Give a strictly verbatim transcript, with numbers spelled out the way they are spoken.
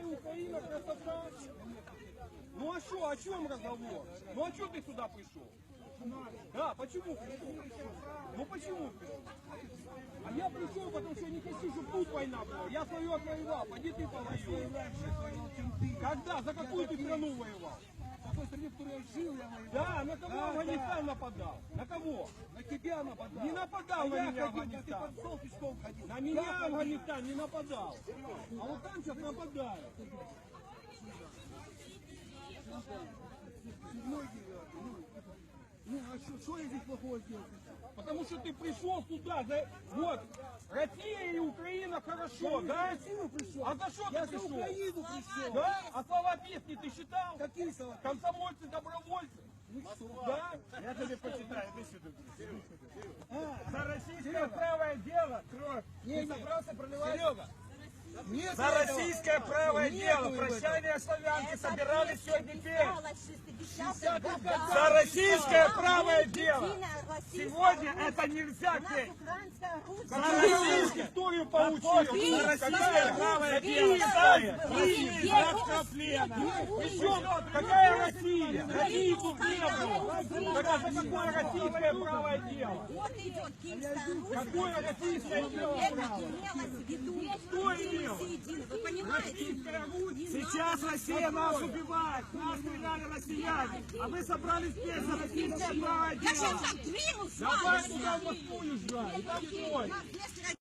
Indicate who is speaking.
Speaker 1: Россия, Украина, красота. Ну а что, о чем разговор? Ну а что ты сюда пришел? Да, почему пришел? Ну почему пришел? А я пришел, потому что я не хочу, чтобы тут война была. Я свою отвоевал, пойди ты повоюй. Когда? За какую ты страну воевал?
Speaker 2: В той стране, в которой я жил, я воевал.
Speaker 1: Да, на кого Афганистан нападал? На кого?
Speaker 2: На тебя нападал.
Speaker 1: Не нападал
Speaker 2: а
Speaker 1: на
Speaker 2: я
Speaker 1: меня
Speaker 2: ходил,
Speaker 1: Афганистан.
Speaker 2: ты под стол пешком ходил.
Speaker 1: На меня Афганистан не нападал. А вот там сейчас нападают.
Speaker 2: Седьмой, девятый. Ну, ну а что, что я здесь плохого сделал?
Speaker 1: Потому что ты пришел сюда, за... вот, Россия и Украина хорошо,
Speaker 2: Я
Speaker 1: да?
Speaker 2: за Россию пришел.
Speaker 1: А за что
Speaker 2: Я
Speaker 1: ты
Speaker 2: за
Speaker 1: пришел?
Speaker 2: Украину пришел.
Speaker 1: Да? А слова песни ты считал?
Speaker 2: Какие слова?
Speaker 1: Комсомольцы, добровольцы. Да?
Speaker 3: Я тебе почитаю, иди сюда. За российское правое дело, кровь.
Speaker 2: Не
Speaker 3: собрался проливать?
Speaker 1: Серега,
Speaker 2: Нет,
Speaker 3: За российское правое
Speaker 2: Нету
Speaker 3: дело.
Speaker 2: его
Speaker 3: Прощание славянки собирались сегодня петь. За
Speaker 4: За
Speaker 3: российское правое дело. Сегодня это нельзя петь.
Speaker 1: за российскую историю получил.
Speaker 3: За российское правое дело. Братского плена.
Speaker 1: Причем, какая Россия? России тут не было. Так а за какое российское правое дело?
Speaker 4: Вот идет Киевская
Speaker 1: Какое российское дело?
Speaker 4: Это имелось в виду.
Speaker 1: Что имелось?
Speaker 4: Вы понимаете?
Speaker 3: Сейчас Россия нас убивает. Нас стреляли россияне. А мы собрались петь за российское правое
Speaker 4: Я
Speaker 3: дело.
Speaker 4: сейчас двинусь с
Speaker 1: Давай
Speaker 4: вами.
Speaker 1: туда в Москву езжай. Там бой.
Speaker 4: Нас вместе